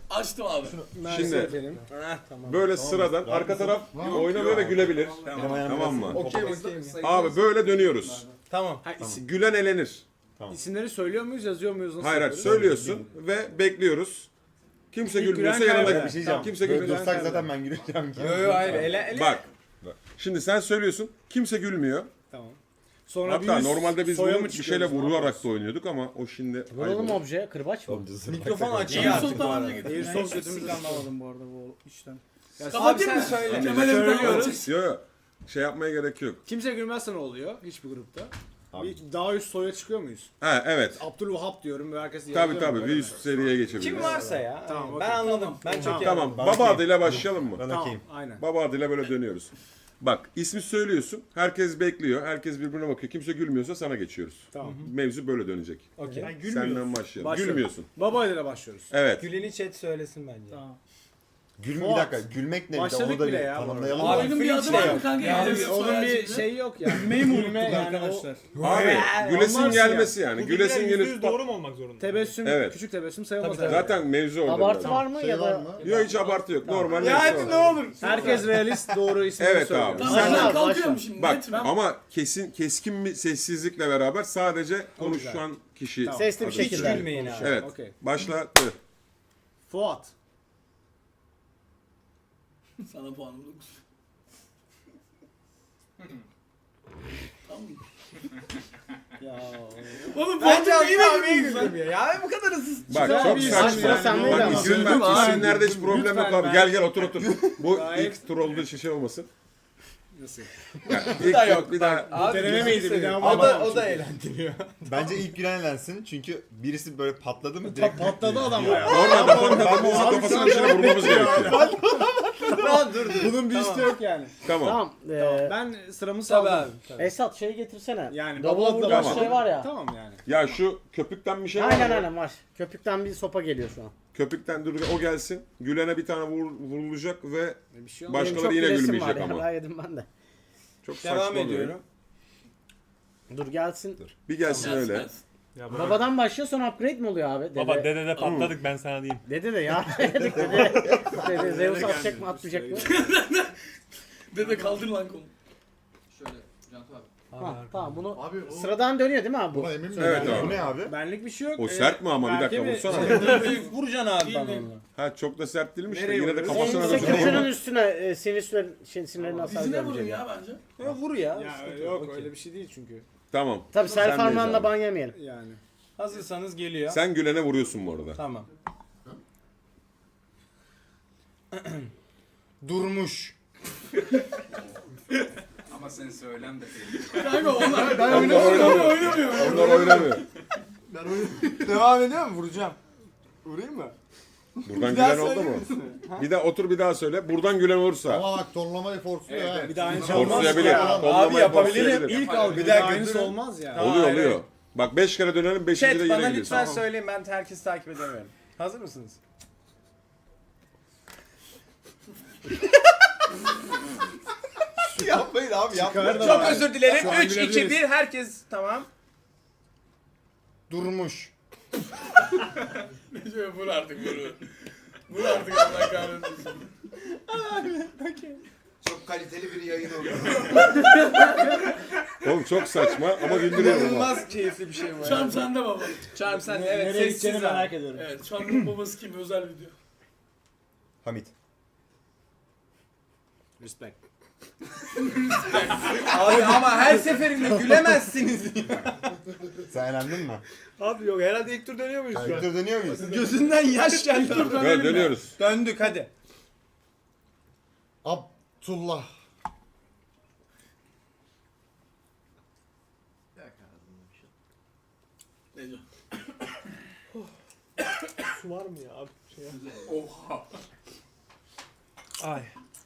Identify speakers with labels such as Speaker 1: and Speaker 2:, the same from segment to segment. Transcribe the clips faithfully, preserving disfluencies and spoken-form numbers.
Speaker 1: Açtım abi.
Speaker 2: Şimdi
Speaker 3: Tamam.
Speaker 2: böyle sıradan arka taraf oynamıyor ve gülebilir. Tamam mı?
Speaker 3: Okey okey.
Speaker 2: Abi böyle dönüyoruz.
Speaker 3: Tamam.
Speaker 4: Ha, isim,
Speaker 2: Gülen elenir.
Speaker 4: isimleri söylüyor muyuz, yazıyor muyuz? Nasıl
Speaker 2: Hayır hayır
Speaker 4: yapıyoruz?
Speaker 2: söylüyorsun ve bekliyoruz. Kimse
Speaker 4: İlk
Speaker 2: gülmüyorsa
Speaker 4: gülen
Speaker 2: yanında
Speaker 4: kaybeder.
Speaker 5: Bir şey diyeceğim.
Speaker 2: kimse
Speaker 5: Böyle
Speaker 2: gülmüyorsa.
Speaker 5: dursak zaten ben güleceğim ki.
Speaker 3: Yo yo hayır ele ele.
Speaker 2: Bak. Şimdi sen söylüyorsun. Kimse gülmüyor.
Speaker 4: Tamam. Sonra
Speaker 2: Hatta
Speaker 4: bir
Speaker 2: normalde biz
Speaker 4: soya
Speaker 2: bunu
Speaker 4: mı
Speaker 2: bir
Speaker 4: çıkıyoruz,
Speaker 2: şeyle
Speaker 4: ne
Speaker 2: vurularak
Speaker 4: yapıyoruz?
Speaker 2: da oynuyorduk ama o şimdi
Speaker 6: Vuralım obje, kırbaç mı?
Speaker 3: Mikrofon açıyor
Speaker 1: İyi
Speaker 3: artık
Speaker 1: sol
Speaker 3: bu arada.
Speaker 1: tamamına getir.
Speaker 4: Airsoft götümüzü anlamadım bu arada bu işten. Ya
Speaker 1: Kapatayım
Speaker 3: sen
Speaker 1: mı?
Speaker 3: söyle.
Speaker 1: Kemal'e bir tane
Speaker 4: Söylüyoruz.
Speaker 1: açık.
Speaker 2: Yok yok. Şey yapmaya gerek yok.
Speaker 4: Kimse gülmezse ne oluyor hiçbir grupta?
Speaker 5: Abi.
Speaker 4: Bir daha üst soya çıkıyor muyuz?
Speaker 2: Ha evet.
Speaker 4: Abdülvahap diyorum ve herkes
Speaker 2: Tabii
Speaker 4: yazıyor
Speaker 2: tabii
Speaker 4: mu?
Speaker 2: bir üst seriye geçebiliriz.
Speaker 3: Kim varsa ya.
Speaker 4: Tamam,
Speaker 3: ben
Speaker 4: okey.
Speaker 3: anladım. Ben çok
Speaker 4: Tamam.
Speaker 3: iyi
Speaker 2: Tamam.
Speaker 3: anladım.
Speaker 5: Ben
Speaker 2: Baba
Speaker 5: okeyim.
Speaker 2: adıyla başlayalım mı?
Speaker 5: Ben
Speaker 4: Tamam,
Speaker 5: okeyim.
Speaker 4: aynen.
Speaker 2: Baba adıyla böyle dönüyoruz. Bak ismi söylüyorsun. Herkes bekliyor. Herkes birbirine bakıyor. Kimse gülmüyorsa sana geçiyoruz.
Speaker 4: Tamam.
Speaker 2: Mevzu böyle dönecek.
Speaker 3: Okey.
Speaker 2: Senden başlayalım.
Speaker 4: Başlıyorum.
Speaker 2: Gülmüyorsun.
Speaker 4: Baba ile başlıyoruz.
Speaker 2: Evet.
Speaker 3: Güleni chat söylesin bence.
Speaker 4: Tamam.
Speaker 5: Gülme bir
Speaker 4: Fuat.
Speaker 5: dakika. Gülmek ne? Bir de
Speaker 4: Başladık
Speaker 5: onu da
Speaker 4: bile
Speaker 5: bir
Speaker 4: ya bu
Speaker 5: tanımlayalım.
Speaker 3: arada.
Speaker 5: da.
Speaker 1: Oyunun bir
Speaker 3: Freak
Speaker 1: adı
Speaker 3: de
Speaker 1: var mı
Speaker 3: yok.
Speaker 1: kanka?
Speaker 4: Yani
Speaker 1: Yazısı,
Speaker 4: onun
Speaker 1: soyadı
Speaker 4: bir
Speaker 1: şimdi.
Speaker 4: şeyi yok yani.
Speaker 7: Gülmeyi mi
Speaker 4: Gülme
Speaker 7: unuttuk
Speaker 4: yani
Speaker 7: arkadaşlar?
Speaker 2: Abi gülesin
Speaker 4: olmaz
Speaker 2: gelmesi yani.
Speaker 7: Bu
Speaker 2: Gülesin
Speaker 7: bilgiler yüzde
Speaker 2: gelip
Speaker 7: yüz doğru mu olmak zorunda?
Speaker 4: Tebessüm,
Speaker 2: Evet.
Speaker 4: küçük tebessüm sayılmaz.
Speaker 3: Tabii,
Speaker 4: herhalde.
Speaker 2: zaten mevzu orada.
Speaker 6: Abartı
Speaker 2: biraz.
Speaker 6: var mı
Speaker 5: Şey
Speaker 6: ya
Speaker 5: var
Speaker 6: da?
Speaker 5: mı?
Speaker 2: Yok hiç abartı yok. Normal
Speaker 3: Ya
Speaker 2: neyse
Speaker 3: hadi
Speaker 2: o.
Speaker 3: ne olur.
Speaker 4: Herkes realist doğru ismini
Speaker 2: Evet
Speaker 4: söylüyor.
Speaker 2: abi.
Speaker 1: Tamam
Speaker 6: Sen
Speaker 1: ben
Speaker 6: al,
Speaker 1: kalkıyorum
Speaker 6: başla.
Speaker 1: şimdi.
Speaker 2: Bak
Speaker 1: net mi?
Speaker 2: ama kesin keskin bir sessizlikle beraber sadece konuşan kişi.
Speaker 4: Tamam.
Speaker 6: Sesli bir
Speaker 2: adı.
Speaker 6: şekilde.
Speaker 3: Hiç gülmeyin abi.
Speaker 2: Evet.
Speaker 4: Okey.
Speaker 2: Başla.
Speaker 4: Fuat.
Speaker 1: Sana puanım dokuz. Tamam mı?
Speaker 4: Ya.
Speaker 1: Oğlum bu
Speaker 3: Bence
Speaker 1: adam yine
Speaker 3: abiye
Speaker 1: güldünüz lan.
Speaker 3: güldüm ya. Ya bu kadar hızlı.
Speaker 2: Bak
Speaker 4: Güzel
Speaker 2: çok
Speaker 4: bir
Speaker 2: saçma.
Speaker 4: isim yani.
Speaker 6: Sen neyle
Speaker 2: Bak
Speaker 6: ama?
Speaker 2: isim,
Speaker 4: Güldüm
Speaker 2: bak,
Speaker 4: abi.
Speaker 2: isimlerde hiç problem
Speaker 4: Lütfen
Speaker 2: yok abi.
Speaker 4: ben-
Speaker 2: Gel gel otur otur. Bu
Speaker 4: Gayet-
Speaker 2: ilk tur olduğu için şey olmasın.
Speaker 4: Nasıl?
Speaker 2: Yani
Speaker 3: Bu
Speaker 2: ilk
Speaker 3: da
Speaker 2: tur
Speaker 3: yok.
Speaker 2: bir daha.
Speaker 3: Abi
Speaker 4: deneme
Speaker 3: gözünü
Speaker 4: miydi? Bir
Speaker 3: seveyim.
Speaker 4: daha
Speaker 3: O da,
Speaker 4: bakamam
Speaker 3: o da
Speaker 4: çünkü.
Speaker 3: eğlendiriyor.
Speaker 5: Bence ilk gülen elensin. Çünkü birisi böyle patladı mı
Speaker 4: Pa-
Speaker 5: direkt
Speaker 4: patladı adam ya.
Speaker 2: Normalde patladı. Birisi kafasının içine vurmamız gerekiyor.
Speaker 3: Tamam dur dur.
Speaker 4: Bunun bir üstü yok yani.
Speaker 2: Tamam.
Speaker 6: Tamam. Ee,
Speaker 4: Ben sıramı
Speaker 3: Tabii
Speaker 4: saldım.
Speaker 3: abi. Tabii.
Speaker 6: Esat şeyi getirsene.
Speaker 4: Yani
Speaker 6: Davula
Speaker 4: babala da
Speaker 6: vurduğumuz
Speaker 2: başlayalım.
Speaker 6: şey var ya.
Speaker 4: Tamam yani.
Speaker 2: Ya şu köpükten bir şey var
Speaker 6: Aynen
Speaker 2: mı?
Speaker 6: aynen var. Köpükten bir sopa geliyor şu an.
Speaker 2: Köpükten dur o gelsin. Gülene bir tane vur, vurulacak ve
Speaker 4: Bir şey olmaz.
Speaker 2: başkaları
Speaker 6: çok
Speaker 2: yine
Speaker 6: gülesim
Speaker 2: gülmeyecek
Speaker 6: var ya,
Speaker 2: ama.
Speaker 6: daha yedim ben de.
Speaker 2: Çok saçma
Speaker 3: Devam
Speaker 2: oluyor.
Speaker 3: ediyorum.
Speaker 6: Dur gelsin.
Speaker 2: Bir gelsin
Speaker 1: Gelsin,
Speaker 2: öyle.
Speaker 1: gelsin.
Speaker 7: Ya baba,
Speaker 6: Babadan başlıyor sonra upgrade mi oluyor abi? Dede,
Speaker 7: baba dedede patladık ben sana diyeyim.
Speaker 6: Dede de ya. Dedik dede. Dede Zeus atacak mı atmayacak mı?
Speaker 1: Dede kaldır lan konu.
Speaker 8: Şöyle Cantu abi.
Speaker 6: Ha, tamam bunu
Speaker 5: Abi o...
Speaker 6: sıradan dönüyor değil mi abi bu?
Speaker 5: Buna emin miyim?
Speaker 2: Evet
Speaker 5: Bu
Speaker 2: abi.
Speaker 5: ne abi?
Speaker 4: Benlik bir şey yok.
Speaker 2: O
Speaker 4: Ee,
Speaker 2: sert mi ama bir
Speaker 4: belki
Speaker 2: dakika
Speaker 4: bir-
Speaker 2: vursana.
Speaker 3: Vuracaksın abi
Speaker 1: Değil
Speaker 3: bana
Speaker 1: mi?
Speaker 3: onu.
Speaker 2: Ha çok da sert değilmiş de
Speaker 4: Nereye
Speaker 2: yine de
Speaker 4: vuruyoruz?
Speaker 6: En
Speaker 2: kafasına
Speaker 6: yüksek
Speaker 2: da
Speaker 6: kökünün üstüne e, sinirlerin, şey, sinirlerin hasar
Speaker 1: Dizine vurun
Speaker 6: görmeyecek.
Speaker 1: ya bence.
Speaker 3: Ya vur ya.
Speaker 4: Ya
Speaker 3: Sıkıntı
Speaker 4: yok
Speaker 3: Okey.
Speaker 4: öyle bir şey değil çünkü.
Speaker 2: Tamam.
Speaker 6: Tabii self
Speaker 2: Sendeyiz
Speaker 6: harmanla
Speaker 2: abi.
Speaker 6: ban yemeyelim.
Speaker 4: Yani.
Speaker 3: Hazırsanız geliyor.
Speaker 2: Sen gülene vuruyorsun bu arada.
Speaker 3: Tamam. Durmuş.
Speaker 8: Ama senin söylem de değil.
Speaker 1: Kanka onlar
Speaker 2: Onlar oynamıyor.
Speaker 1: oynamıyor.
Speaker 2: Onlar oynamıyor.
Speaker 3: Devam ediyor mu? Vuracağım. Vurayım mı?
Speaker 2: Buradan
Speaker 3: Bir daha
Speaker 2: gülen oldu
Speaker 3: söyler
Speaker 2: mu?
Speaker 3: misin?
Speaker 2: Bir daha otur bir daha söyle. Buradan gülen olursa.
Speaker 5: Ama bak torlamayı forsluyor ha.
Speaker 4: Bir daha aynısı olmaz.
Speaker 2: Forslayabilir.
Speaker 4: ya.
Speaker 2: Tollamayı
Speaker 3: Abi yapabilirim.
Speaker 2: forslayabilir.
Speaker 4: İlk algı
Speaker 3: Bir
Speaker 4: bir
Speaker 3: daha
Speaker 4: daha aynısı
Speaker 3: götürün.
Speaker 4: olmaz ya.
Speaker 3: Tamam.
Speaker 2: Oluyor
Speaker 3: Hayır,
Speaker 2: oluyor.
Speaker 3: hayır.
Speaker 2: Bak beş kere dönelim beşinci de
Speaker 3: Chat
Speaker 2: yine
Speaker 3: bana
Speaker 2: gidiyorsun.
Speaker 3: lütfen söyleyin, ben herkesi takip edemiyorum. Hazır mısınız?
Speaker 5: Yapmayın abi yapmayın.
Speaker 4: da
Speaker 3: Çok
Speaker 4: var.
Speaker 3: özür dilerim.
Speaker 4: Şu an
Speaker 3: üç, iki,
Speaker 4: gülebiliriz.
Speaker 3: bir herkes tamam. Durmuş.
Speaker 1: Şöyle vur artık vur. Vur artık Allah kahretsin.
Speaker 8: Çok kaliteli bir yayın oldu.
Speaker 2: Oğlum çok saçma ama güldürüyor ama.
Speaker 3: İnanılmaz keyifli bir şey bu.
Speaker 1: Çam sende baba.
Speaker 3: Çarm sen
Speaker 4: Ne-
Speaker 3: evet
Speaker 4: Nereye
Speaker 3: sessiz
Speaker 4: gideceğini
Speaker 3: abi.
Speaker 4: merak ediyorum.
Speaker 1: Evet Çam'ın babası kim? Özel video.
Speaker 5: Hamit.
Speaker 4: Respect.
Speaker 3: Abi ama her seferinde gülemezsiniz.
Speaker 5: Sen elendin mi?
Speaker 3: Abi yok herhalde ilk tur dönüyor muyuz şu an?
Speaker 5: Kayıtları dönüyor muyuz?
Speaker 3: Gözünden yaş geldi.
Speaker 2: Evet dönüyoruz.
Speaker 3: Döndük hadi.
Speaker 5: Abdullah.
Speaker 1: Ne diyor?
Speaker 7: Su var mı ya abi? Şey
Speaker 1: Oha.
Speaker 7: Ay.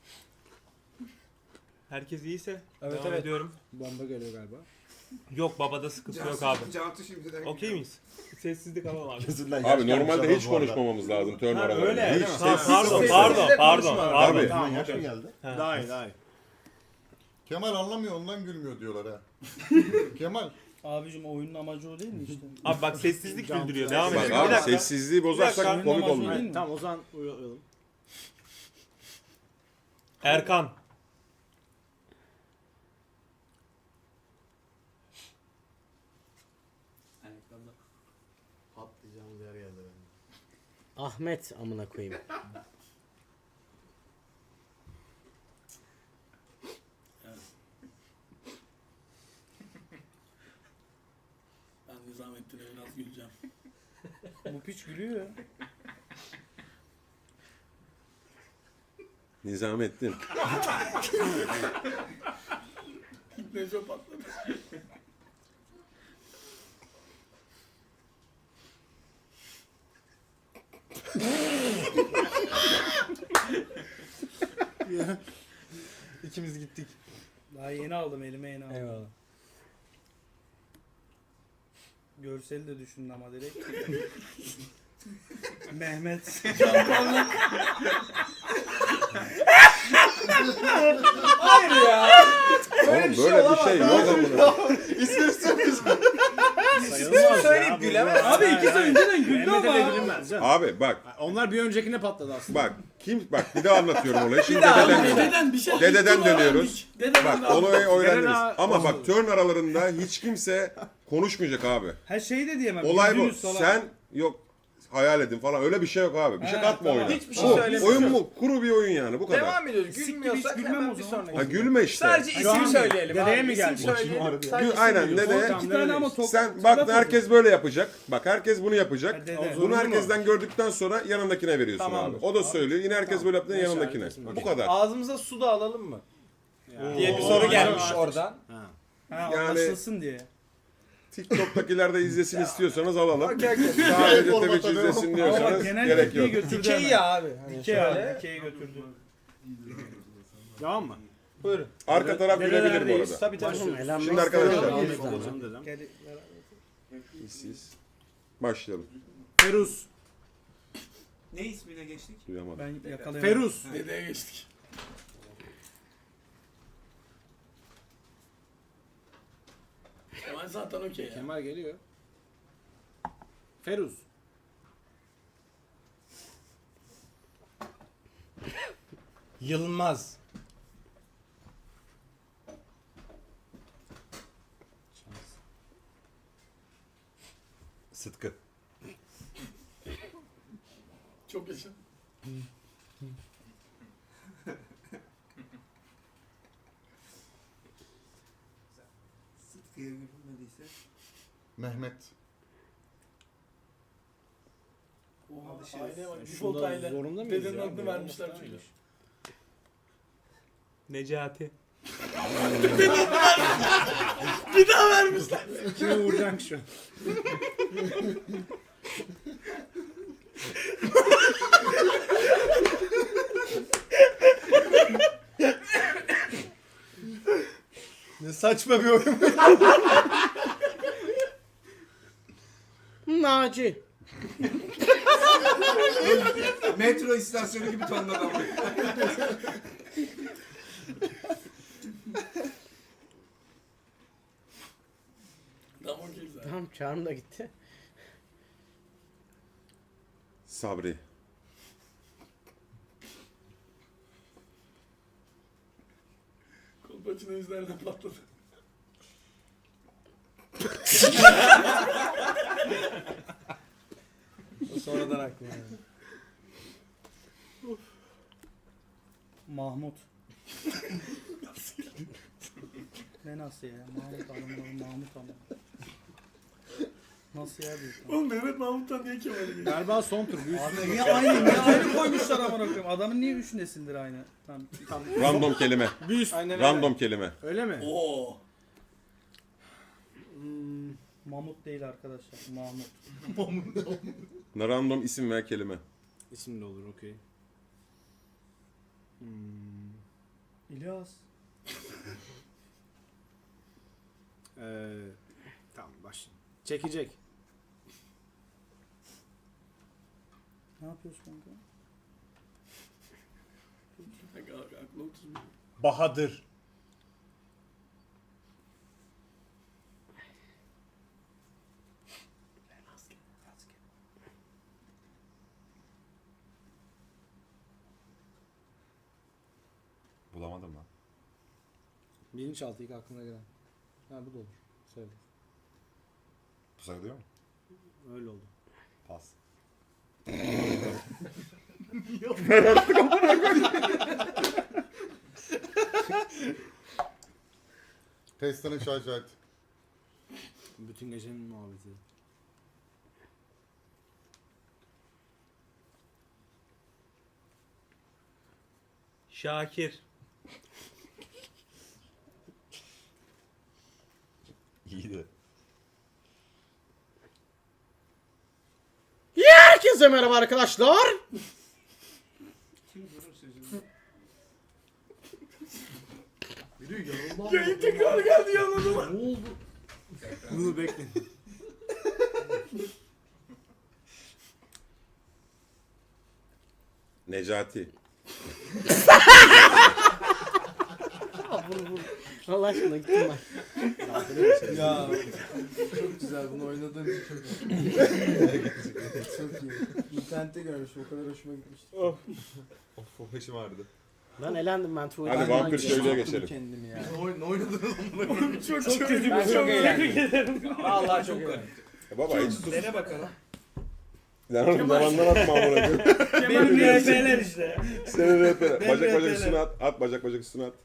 Speaker 7: Herkes iyiyse
Speaker 3: Evet,
Speaker 7: devam
Speaker 3: evet.
Speaker 7: ediyorum.
Speaker 4: Bomba geliyor galiba.
Speaker 7: Yok babada sıkıntı yok abi.
Speaker 8: Cantu şimdiden.
Speaker 7: Okey miyiz? Sessizlik alalım abi.
Speaker 5: Gözünden yaş
Speaker 2: Abi
Speaker 5: gelmiş
Speaker 2: normalde
Speaker 5: adam
Speaker 2: hiç
Speaker 5: bu arada.
Speaker 2: konuşmamamız lazım turn
Speaker 3: Ha,
Speaker 2: aralarında.
Speaker 3: öyle.
Speaker 2: Hiç.
Speaker 3: Değil mi?
Speaker 7: Ha, pardon
Speaker 3: Sessizlik
Speaker 7: pardon
Speaker 3: de
Speaker 7: pardon
Speaker 3: konuşma.
Speaker 7: pardon.
Speaker 2: Abi.
Speaker 5: Gözünden yaş mı geldi?
Speaker 7: Ha.
Speaker 4: Daha iyi daha iyi.
Speaker 5: Kemal anlamıyor ondan gülmüyor diyorlar ha. Kemal
Speaker 9: Abicim oyunun amacı o değil mi işte?
Speaker 7: Abi bak sessizlik güldürüyor. Devam
Speaker 2: Bak
Speaker 7: edelim.
Speaker 2: abi
Speaker 7: Bir dakika.
Speaker 2: sessizliği bozarsak
Speaker 7: dakika.
Speaker 2: komik
Speaker 9: Oyunun
Speaker 2: olmuyor.
Speaker 9: amacı değil mi?
Speaker 4: Tamam o zaman uyuyalım.
Speaker 7: Erkan.
Speaker 5: Patlayacağımız yer geldi benim.
Speaker 6: Ahmet amına koyayım.
Speaker 1: Ben Nizamettin'e biraz güleceğim.
Speaker 9: Bu piç gülüyor ya.
Speaker 2: Nizamettin.
Speaker 1: Neco patladı.
Speaker 3: İkimiz gittik.
Speaker 9: Daha yeni aldım elime yeni aldım.
Speaker 3: Eyvallah.
Speaker 9: Görseli de düşündüm ama direkt. Mehmet.
Speaker 3: Hayır ya.
Speaker 2: Oğlum
Speaker 3: bir şey
Speaker 2: böyle bir şey yok
Speaker 3: olamaz.
Speaker 2: amına.
Speaker 3: İsmini söylüyorsun.
Speaker 4: Sayılmaz
Speaker 3: söyleyip
Speaker 4: ya,
Speaker 3: gülemez.
Speaker 4: bu-
Speaker 9: Abi
Speaker 4: Hayır,
Speaker 9: ikisi
Speaker 4: hayır.
Speaker 9: önceden güldü
Speaker 4: Mehmet'e
Speaker 9: ama.
Speaker 4: de gülünmez canım.
Speaker 2: Abi bak
Speaker 4: Onlar bir öncekine patladı aslında.
Speaker 2: bak kim bak bir daha anlatıyorum olayı. Şimdi
Speaker 3: daha
Speaker 2: dededen
Speaker 3: anlat.
Speaker 2: dönüyoruz.
Speaker 1: Dededen bir şey
Speaker 2: Dededen
Speaker 1: yuttum,
Speaker 2: dönüyoruz.
Speaker 1: öğrendik. Dededen
Speaker 2: Bak
Speaker 1: aldım.
Speaker 2: olayı öğrendiniz.
Speaker 4: Dededen
Speaker 2: Ama bak
Speaker 4: oldu.
Speaker 2: turn aralarında hiç kimse konuşmayacak abi.
Speaker 9: Her şeyi de diyemem.
Speaker 2: Olay bu.
Speaker 9: güldünüz falan.
Speaker 2: Sen yok hayal edin falan öyle bir şey yok abi. Bir şey
Speaker 9: He,
Speaker 2: katma
Speaker 9: tamam.
Speaker 2: oyuna.
Speaker 3: Hiçbir şey
Speaker 2: Bu,
Speaker 3: söylemiyorsun.
Speaker 2: oyun mu? Kuru bir oyun yani bu kadar.
Speaker 3: Devam ediyoruz.
Speaker 9: Siktir,
Speaker 3: Gülmüyorsak
Speaker 9: hiç gülmem
Speaker 3: hemen
Speaker 9: o
Speaker 3: bir
Speaker 9: zaman.
Speaker 3: sonraki.
Speaker 2: Ha gülme işte.
Speaker 3: Sadece
Speaker 9: Şu
Speaker 3: ismi
Speaker 9: an
Speaker 3: söyleyelim
Speaker 4: dedeye
Speaker 3: abi.
Speaker 4: mi
Speaker 3: İsim
Speaker 4: geldi?
Speaker 3: söyleyelim.
Speaker 2: Gül,
Speaker 3: Sadece
Speaker 2: aynen
Speaker 3: isim
Speaker 2: dede.
Speaker 3: söyle.
Speaker 9: İki tane ama tok.
Speaker 2: Sen bak herkes böyle yapacak. Bak herkes bunu
Speaker 9: Ha,
Speaker 2: yapacak.
Speaker 9: dede.
Speaker 4: O
Speaker 2: Bunu
Speaker 4: zorunlu
Speaker 2: herkesten gördükten sonra yanındakine veriyorsun
Speaker 3: Tamamdır.
Speaker 2: abi. O da söylüyor. Yine herkes böyle yaptığında
Speaker 4: Neyse,
Speaker 2: yanındakine.
Speaker 4: herkesin
Speaker 2: Bu kadar.
Speaker 3: Ağzımıza su da alalım mı?
Speaker 4: Ya.
Speaker 3: Diye bir
Speaker 4: Oo,
Speaker 3: soru
Speaker 4: aynen.
Speaker 3: gelmiş oradan.
Speaker 4: Ha.
Speaker 9: Ha,
Speaker 2: Yani-
Speaker 9: anlaşılsın diye.
Speaker 2: TikTok'takiler de izlesin istiyorsanız alalım.
Speaker 3: Okey okey.
Speaker 2: Sadece Twitch izlesin
Speaker 9: Ama
Speaker 2: diyorsanız
Speaker 9: bak genel
Speaker 2: gerek
Speaker 9: kitleyi
Speaker 2: yok.
Speaker 9: götürdü
Speaker 3: Dikey
Speaker 9: hemen.
Speaker 3: ya abi. Hani
Speaker 9: Dikey
Speaker 3: şöyle.
Speaker 9: abi. Dikeyi götürdü.
Speaker 4: Devam mı?
Speaker 3: Buyurun.
Speaker 2: Arka taraf gülebilir bu
Speaker 4: Nerelerdeyiz?
Speaker 2: arada.
Speaker 3: Tabii tabii.
Speaker 6: Oğlum Elon
Speaker 2: Şimdi
Speaker 6: Musk
Speaker 2: arkadaşlar-
Speaker 6: falan
Speaker 4: Ahmet
Speaker 6: oldu.
Speaker 4: babacığım dedem.
Speaker 9: Gel-
Speaker 2: Siz. Başlayalım.
Speaker 4: Feruz.
Speaker 7: Ne ismine geçtik?
Speaker 2: Duyamadım.
Speaker 9: Ben yakalayamadım.
Speaker 4: Feruz.
Speaker 1: Dedeye geçtik. Kemal zaten okey ya.
Speaker 4: Kemal geliyor. Feruz.
Speaker 3: Yılmaz.
Speaker 5: Sıtkı.
Speaker 1: Çok yaşa.
Speaker 8: Sıtkı'ya gülmediyse.
Speaker 5: Mehmet.
Speaker 1: Oha, aileye bak. Default
Speaker 4: Şurada
Speaker 1: aile.
Speaker 4: zorunda mıyız
Speaker 1: Dedenin
Speaker 4: ya?
Speaker 1: adını
Speaker 4: Böyle
Speaker 1: vermişler
Speaker 4: olması
Speaker 1: çünkü.
Speaker 4: lazım.
Speaker 7: Necati.
Speaker 1: Bir daha vermişler.
Speaker 4: Kimi vuracaksın şu an?
Speaker 3: Ne saçma bir oyun.
Speaker 6: Naci.
Speaker 8: Metro istasyonu gibi tonladı ama.
Speaker 1: Tamam okey zaten.
Speaker 6: Tamam çağrım da gitti.
Speaker 2: Sabri.
Speaker 1: Kolpaçino yüzlerine patladı.
Speaker 3: Sonradan aklıma geldi.
Speaker 9: Mahmut. Ne nasıl ya? Mahmut adamların Mahmut ama. Nasıl ya bu?
Speaker 1: Oğlum Mehmet Mahmut'tan niye Kemal'e geçti?
Speaker 4: Galiba son tur. Bir
Speaker 9: Abi
Speaker 4: üstüne
Speaker 9: niye aynı? Niye aynı koymuşlar amına koyayım? Adamın niye üç nesildir aynı? Tamam. Tamam.
Speaker 2: Random kelime.
Speaker 4: Bir üst.
Speaker 3: Aynen öyle.
Speaker 2: Random kelime.
Speaker 4: Öyle mi?
Speaker 1: Oo.
Speaker 9: Hmm, Mahmut değil arkadaşlar. Mahmut.
Speaker 2: Random isim veya kelime.
Speaker 4: İsim de olur okey. Hmm.
Speaker 9: İlyas.
Speaker 4: Ee, tamam başlayalım. Çekecek.
Speaker 9: Ne yapıyorsun kanka?
Speaker 1: Kanka aklı otuz bir.
Speaker 3: Bahadır.
Speaker 5: Bulamadım lan.
Speaker 4: Bilinçaltı ilk aklına gelen. Ha bu da olur. Söyle.
Speaker 5: Bu sayılıyor mu?
Speaker 4: Öyle oldu.
Speaker 5: Pas.
Speaker 10: Testanın şahit.
Speaker 4: Bütün gecenin muhabbeti.
Speaker 7: Şakir.
Speaker 5: İyiydi.
Speaker 6: Herkese merhaba arkadaşlar.
Speaker 1: Yayın tekrar geldi yanına.
Speaker 9: Ne oldu?
Speaker 4: Bunu bekleyin.
Speaker 2: Necati.
Speaker 6: Vur vur. Allah aşkına gittim ben.
Speaker 3: Ya çok güzel bunu oynadığın için çok iyi. Çok iyi. İnternette görmüşüm o kadar hoşuma gitmişti.
Speaker 5: Of o başım ağrıdı.
Speaker 6: Ben elendim ben tuvalete.
Speaker 2: Hadi
Speaker 6: falan
Speaker 2: vampir
Speaker 6: gidiyorum.
Speaker 2: köylüye geçelim.
Speaker 3: Kendimi ya.
Speaker 8: Ne oynadınız?
Speaker 1: Çok çok kötü.
Speaker 6: Ben çok eğlendim.
Speaker 3: Vallahi çok eğlendim.
Speaker 2: E baba hiç sus.
Speaker 1: Dene bakalım.
Speaker 2: Lan oğlum zamandan atma amına koyayım.
Speaker 1: Benim R P'ler işte.
Speaker 2: Senin rehbere.
Speaker 1: Ben
Speaker 2: Bacak bacak
Speaker 1: rehberle.
Speaker 2: üstüne at. At bacak bacak üstüne at.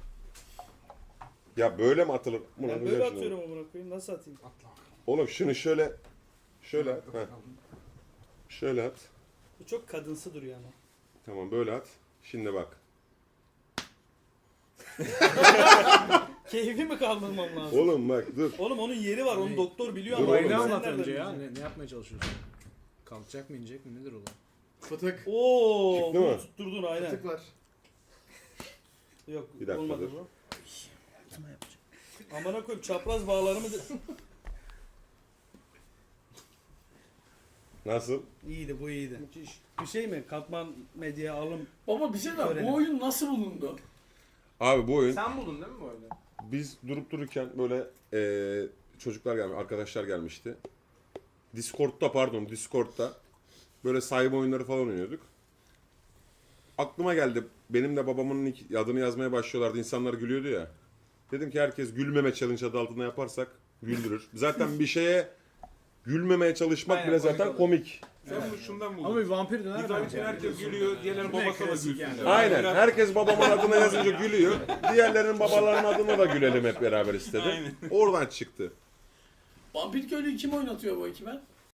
Speaker 2: Ya böyle mi atılır? Bunu
Speaker 1: Ben böyle atıyorum amına koyayım. Nasıl atayım?
Speaker 2: Oğlum şunu şöyle şöyle at. Heh. Şöyle at.
Speaker 9: Bu çok kadınsı duruyor ama.
Speaker 2: Tamam böyle at. Şimdi bak.
Speaker 9: Keyfi mi kaldırmam lazım?
Speaker 2: Oğlum bak dur.
Speaker 9: Oğlum onun yeri var. Onu doktor biliyor
Speaker 2: Dur
Speaker 9: ama.
Speaker 2: oğlum,
Speaker 4: Olayını
Speaker 2: ben-
Speaker 4: anlat
Speaker 9: Sen
Speaker 4: önce
Speaker 9: nereden
Speaker 4: ya.
Speaker 9: bileceksin?
Speaker 4: Ne, ne yapmaya çalışıyorsun? Kalkacak mı inecek mi nedir olay?
Speaker 1: Fıtık.
Speaker 9: Oo,
Speaker 2: Çıktı
Speaker 9: bunu
Speaker 2: mı?
Speaker 9: tutturdun aynen.
Speaker 1: Fıtık var.
Speaker 9: Yok
Speaker 2: Bir dakika
Speaker 9: olmadı
Speaker 2: dur.
Speaker 9: bu. Amına koyayım çapraz bağlarımı da...
Speaker 2: Nasıl?
Speaker 9: İyiydi bu iyiydi. Bir şey mi? Katman medya alım.
Speaker 1: Baba bir şey var.
Speaker 9: Öğrenin.
Speaker 1: Bu oyun nasıl bulundu?
Speaker 2: Abi bu oyun
Speaker 3: Sen buldun değil mi bu oyunu?
Speaker 2: biz durup dururken böyle eee, çocuklar gelmiş, arkadaşlar gelmişti. Discord'da pardon Discord'da böyle sayma oyunları falan oynuyorduk. Aklıma geldi. Benim de babamın nick- adını yazmaya başlıyorlardı. İnsanlar gülüyordu ya. Dedim ki herkes gülmeme challenge adı altında yaparsak güldürür. Zaten bir şeye gülmemeye çalışmak
Speaker 3: Aynen,
Speaker 2: bile
Speaker 3: komik
Speaker 2: zaten
Speaker 3: olur.
Speaker 2: komik.
Speaker 8: Sen bunu şundan buldun.
Speaker 4: Ama bir vampir döner
Speaker 8: Bir tane
Speaker 4: bence.
Speaker 8: herkes gülüyor, diğerleri babasına da
Speaker 4: klasik
Speaker 8: gülsün.
Speaker 4: yani.
Speaker 2: Aynen. Herkes babamın adına yazınca gülüyor. Diğerlerinin babalarının adına da gülelim hep beraber istedim. Oradan çıktı.
Speaker 1: Vampir köylüyü kim oynatıyor bu ekibe?